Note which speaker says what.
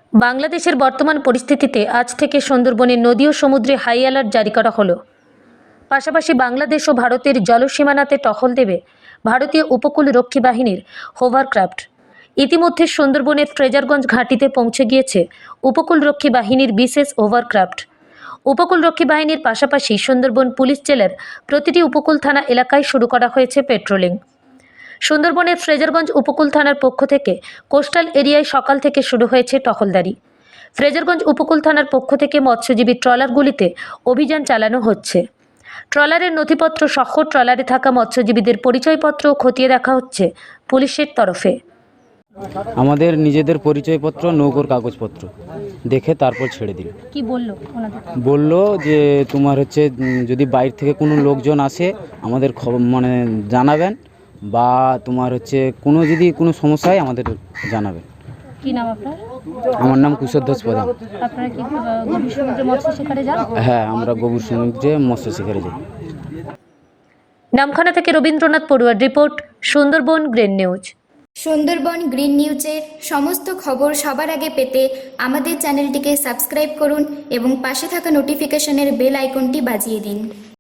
Speaker 1: বাংলাদেশের বর্তমান পরিস্থিতিতে আজ থেকে সুন্দরবনের নদী ও সমুদ্রে হাই অ্যালার্ট জারি করা হলো। পাশাপাশি বাংলাদেশ ও ভারতের জলসীমানাতে টহল দেবে ভারতীয় উপকূল রক্ষী বাহিনীর হোভারক্রাফট। ইতিমধ্যে সুন্দরবনের ফ্রেজারগঞ্জ ঘাঁটিতে পৌঁছে গিয়েছে উপকূলরক্ষী বাহিনীর বিশেষ হোভারক্রাফট। উপকূলরক্ষী বাহিনীর পাশাপাশি সুন্দরবন পুলিশ জেলার প্রতিটি উপকূল থানা এলাকায় শুরু করা হয়েছে পেট্রোলিং। সুন্দরবনের ফ্রেজারগঞ্জ উপকূল থানার পক্ষ থেকে কোস্টাল এরিয়ায় সকাল থেকে শুরু হয়েছে টহলদারি। ফ্রেজারগঞ্জ উপকূল থানার পক্ষ থেকে মৎস্যজীবী ট্রলারগুলিতে অভিযান চালানো হচ্ছে। ট্রলারের নথিপত্র সহ ট্রলারে থাকা মৎস্যজীবীদের পরিচয়পত্র খতিয়ে দেখা হচ্ছে পুলিশের তরফে।
Speaker 2: আমাদের নিজেদের পরিচয়পত্র, নৌকোর কাগজপত্র দেখে তারপর ছেড়ে দিল।
Speaker 1: কি বললো ওনাদের?
Speaker 2: বললো যে তোমার হচ্ছে যদি বাইরে থেকে কোনো লোকজন আসে আমাদের মানে জানাবেন, বা তোমার হচ্ছে যদি কোনো সমস্যা হয় আমাদের জানাবেন।
Speaker 1: কি নাম আপনার?
Speaker 2: আমার নাম কুশধ্বজ প্রধান।
Speaker 1: আপনারা কি গভীর সমুদ্রে মৎস্য শিকারে যান?
Speaker 2: হ্যাঁ, আমরা গভীর সমুদ্রে মৎস্য শিকারে যাই।
Speaker 1: নামখানা থেকে রবীন্দ্রনাথ পড়ুয়ার report, Sundarban green news.
Speaker 3: Sundarban green নিউজের সমস্ত খবর সবার আগে পেতে আমাদের চ্যানেলটিকে সাবস্ক্রাইব করুন এবং পাশে থাকা নোটিফিকেশনের বেল আইকনটি বাজিয়ে দিন।